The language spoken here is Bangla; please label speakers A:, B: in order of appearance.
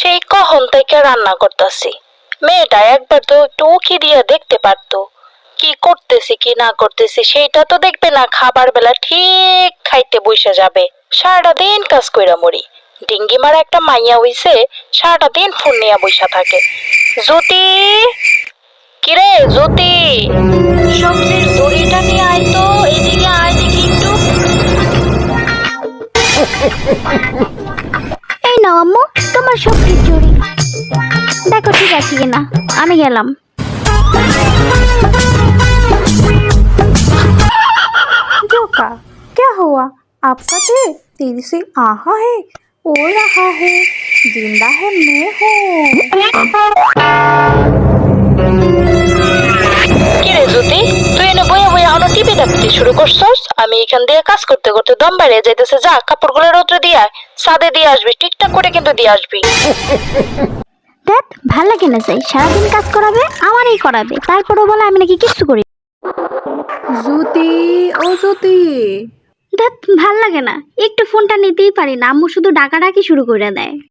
A: সেই কখন থেকে রান্না করতেছি। মেয়েটা একবার তো একটু উকি দিয়ে দেখতে পারতো কি করতেছি কি না করতেছি, সেইটা তো দেখবে না। খাবার বেলা ঠিক খাইতে বসে যাবে। সারাটা দিন কাজ কইরা মরি। ডিঙ্গি মারা একটা মাইয়া হইছে, সারাটা দিন ফোন নিয়ে বসে থাকে। জ্যোতি, কিরে জ্যোতি, সবজির দড়িটা নিয়ে আয় তো, এদিকে আয় দেখি একটু।
B: এই নাও আম্মু, তোমার সবজির চুরি। দেখো ঠিক আছে কিনা। আমি গেলাম।
C: जोका, क्या हुआ? आपका दिल तेज से आहा है, उड़ रहा है, जिंदा है मैं हूँ।
A: কিরে জ্যোতি, তুই এনে বইয়া বইয়া এখনো টিভি দেখতে শুরু করছস? আমি এখান দিয়ে কাজ করতে করতে দম বাইরে যাইতেছে। যা কাপড়গুলো রোদ্রে দিয়ে আয়, ছাদে দিয়ে আসবি, ঠিকঠাক করে কিন্তু দিয়ে আসবি।
B: দেখ ভাল লাগে না, যাই সারাদিন কাজ করাবে, আমারই করাবে, তারপরেও বলে আমি নাকি কিচ্ছু করি।
C: ज्योति, ओ ज्योति।
B: দেখ ভাল লাগে না, একটু ফোনটা নিতেই পারি না, আম্মু শুধু ডাকাডাকি শুরু করে দেয়।